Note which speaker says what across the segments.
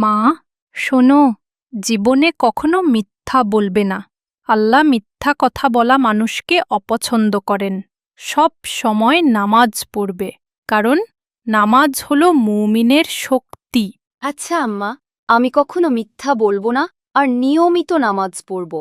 Speaker 1: মা, শোনো, জীবনে কখনো মিথ্যা বলবে না। আল্লাহ মিথ্যা কথা বলা মানুষকে অপছন্দ করেন। সব সময় নামাজ পড়বে, কারণ নামাজ হলো মুমিনের শক্তি।
Speaker 2: আচ্ছা আম্মা, আমি কখনো মিথ্যা বলবো না আর নিয়মিত নামাজ পড়ব।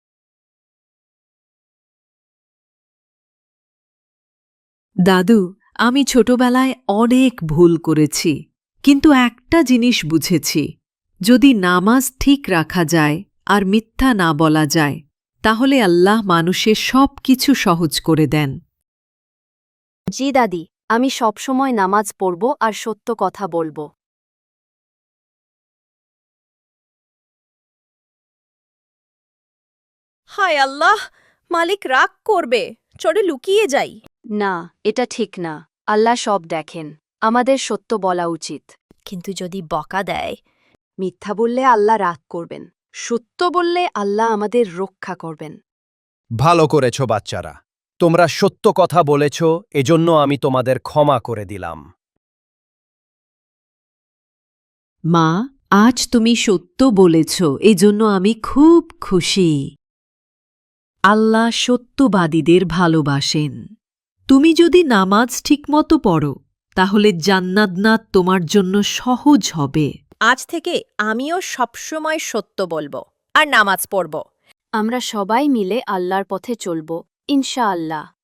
Speaker 3: দাদু, আমি ছোটবেলায় অনেক ভুল করেছি, কিন্তু একটা জিনিস বুঝেছি, যদি নামাজ ঠিক রাখা যায় আর মিথ্যা না বলা যায়, তাহলে আল্লাহ মানুষের সব কিছু সহজ করে দেন।
Speaker 2: জি দাদি, আমি সবসময় নামাজ পড়ব আর সত্য কথা বলবো।
Speaker 4: হায় আল্লাহ, মালিক রাগ করবে, চলে লুকিয়ে যাই।
Speaker 2: না, এটা ঠিক না। আল্লাহ সব দেখেন। আমাদের সত্য বলা উচিত।
Speaker 4: কিন্তু যদি বকা দেয়?
Speaker 2: মিথ্যা বললে আল্লাহ রাগ করবেন, সত্য বললে আল্লাহ আমাদের রক্ষা করবেন।
Speaker 5: ভালো করেছ বাচ্চারা, তোমরা সত্য কথা বলেছ, এজন্য আমি তোমাদের ক্ষমা করে দিলাম।
Speaker 3: মা, আজ তুমি সত্য বলেছ, এজন্য আমি খুব খুশি। আল্লাহ সত্যবাদীদের ভালোবাসেন। তুমি যদি নামাজ ঠিকমতো পড়ো, তাহলে জান্নাত তোমার জন্য সহজ হবে।
Speaker 4: আজ থেকে আমিও সবসময় সত্য বলবো আর নামাজ পড়ব।
Speaker 2: আমরা সবাই মিলে আল্লাহর পথে চলব, ইনশাআল্লাহ।